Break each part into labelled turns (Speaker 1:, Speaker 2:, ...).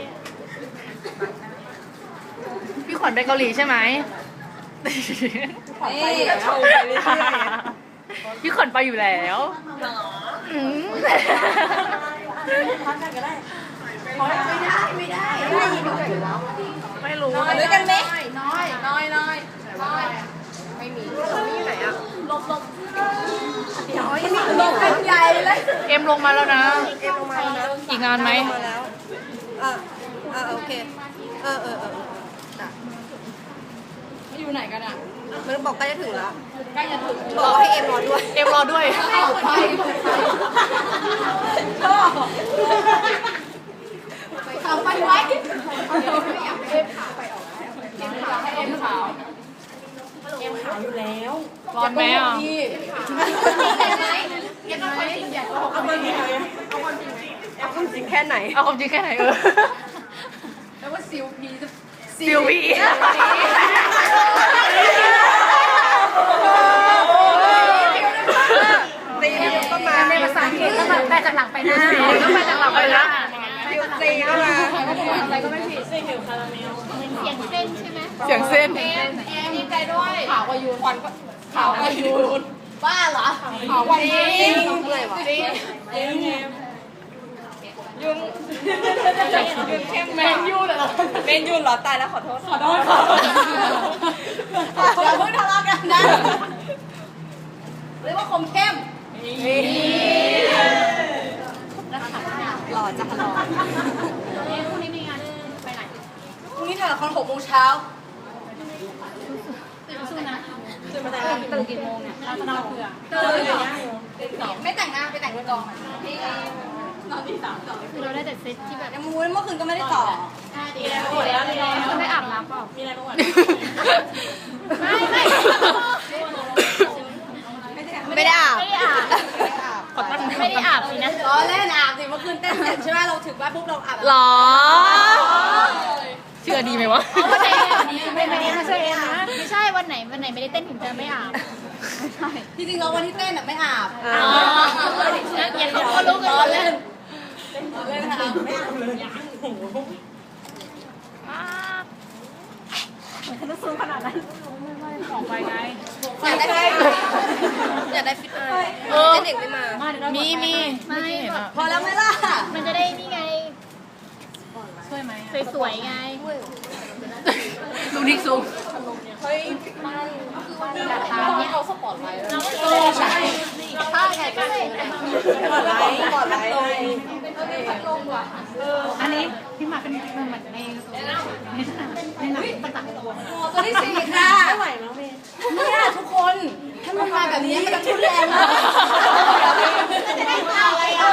Speaker 1: พี่ขวัญไปเกาหลีใช่ไหมพี่ขวัญไปอยู่แล้วไม่รู้
Speaker 2: ด้วยกันไหม
Speaker 3: น้อยไม่มีที่ไหนอ่ะลบเป็นใหญ่เลย
Speaker 1: เอ็มลงมาแล้วนะ
Speaker 2: เอ็มลงมาแล้วนะ
Speaker 1: อีกนานไหม
Speaker 2: มาแล้วโอเคจ้ะ
Speaker 3: อยู่ไหนกันอ่ะ
Speaker 2: มันบอกใกล้จะถึงแล้ว
Speaker 3: ใกล้จะถึง
Speaker 2: บอกให้เอ็มรอด้วย
Speaker 1: เอ็มรอด้วย
Speaker 3: เอาไปไว้เอ็มขาวอยู่แล้ว
Speaker 1: ร้อนไหมอ่ะ
Speaker 3: พี่เห็นไหมเอาไปไหน
Speaker 2: เอาความจริงแค่ไหน
Speaker 1: เอาความจริงแค่ไหน
Speaker 3: แล้วว่าซิลพี
Speaker 1: ซิลวี
Speaker 2: ตีก็มา
Speaker 1: ในภาษาอังกฤษต้องแปลจากหลังไปหน้าต้องแปลจากหลังไปหน้า
Speaker 2: ซิลซีก็มา
Speaker 3: อะไรก็ไม่ผิด
Speaker 1: เสียงเส้น
Speaker 3: ดีใจด้วยขาวกว่ายูนควันก็ขาวกว่ายูนบ้าเหรอขาวกว่ายูน
Speaker 2: จริงเมื่อยวะ
Speaker 3: แมนยูเหรอ
Speaker 2: เมนยูนเหรอตายแล้วขอโทษ
Speaker 3: อย่าเพิ่งทะเลาะกันนะเรียกว่าคมเข้ม
Speaker 2: หล่อจังหล่อ
Speaker 3: พรุ่งนี้มีงานไปไหนพรุ่งนี้ถ่ายละคร6 โมงเช้าสู้นะตื่นกี่โมงเนี่ยเราจะนอนเผื่อไม่แต่งหน้าไปแต่งบนกองนอนที่3ต่อคือเราได้แต่เซตที่แบบยังมูเมื่อคืนก็ไม่ได้ต่อดีแล้วหมดแล้วคุณได้อาบน้ำเปล่ามีอะไรบ้างวะ
Speaker 2: ไม่ได้อาบ
Speaker 1: ไม่ได้อาบสินะ
Speaker 3: ล้อเล่นอาบสิเมื่อคืนเต้นเสร็จใช่ไหมเราถึงบ้านปุ๊บเราอาบ
Speaker 1: หรอเชื่อดีไหมวะ
Speaker 3: ไม่ใช่นะ
Speaker 4: ไม่ใช่วันไหนไม่ได้เต้นถึงจะไม่อาบ
Speaker 3: จริงๆเราวันที่เต้นไม่อาบ
Speaker 4: อย่างเขาก็รู้กันหมดเลย
Speaker 3: เล่นค่ะไม่อาบเลย
Speaker 1: ของไปไง
Speaker 2: อยากได้ฟิตไอเด็กไม่มา
Speaker 1: มีไม่
Speaker 4: ไม่
Speaker 1: เห็นอ่ะ
Speaker 3: พอแล้วไหมล่ะ
Speaker 4: มันจะได้นี่ไง
Speaker 1: ช่วยไหม
Speaker 4: สวยๆไง
Speaker 1: ลูกนิกซู
Speaker 3: ทางนี้เอาสปอร์ตไลท์ใช่ถ้าไงก็ได้
Speaker 2: ปลอดไลท์ปลอดไลท์
Speaker 4: อันนี้พี่มาเป็นเหมือนในหนังต่างๆตัว
Speaker 3: ตัวที่4ค่ะไม่ไหวมั้งเมย์เนี่ยทุกคนถ้ามันมาแบบนี้มันจะทุนแรงมากจะได้อะไรอ่ะ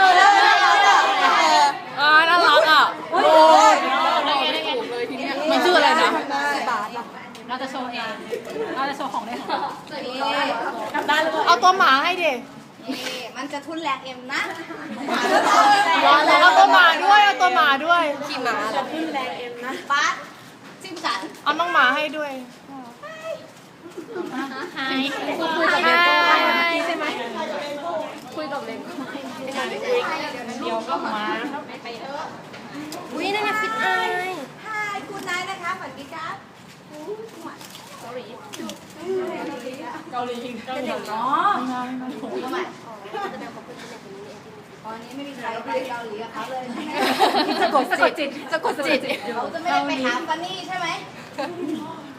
Speaker 1: น่ารักอ่ะโอ้ยมันชื่ออะไรนะ
Speaker 4: เราจะโชว์เองเราจะโชว์ของได้ของเรา
Speaker 1: เอาตัวหมาให้ดิ
Speaker 3: มันจะทุนแรงเอ็มนะ
Speaker 1: เอาตัวหมาด้วยเอาตัวหมาด้วย
Speaker 2: ขี่ม้าเหรอ
Speaker 3: ป๊าจิ้มสัน
Speaker 1: เอาน้องหมาให้ด้วย
Speaker 4: ไฮคุยกับเบลใช่ไหม
Speaker 1: เดี๋ยวก็มา
Speaker 2: อุ้ยนั่นน่ะฟิตไอ
Speaker 3: ฮายคุณนายนะคะฝันดีครับเกาหลีเนาะทำไมตอนนี้ไม่มีใครไปเกาหลีกับเขาเลย
Speaker 1: สะกดจิต
Speaker 3: เราจะไม่ได้ไปหาฟันนี่ใช่ไหม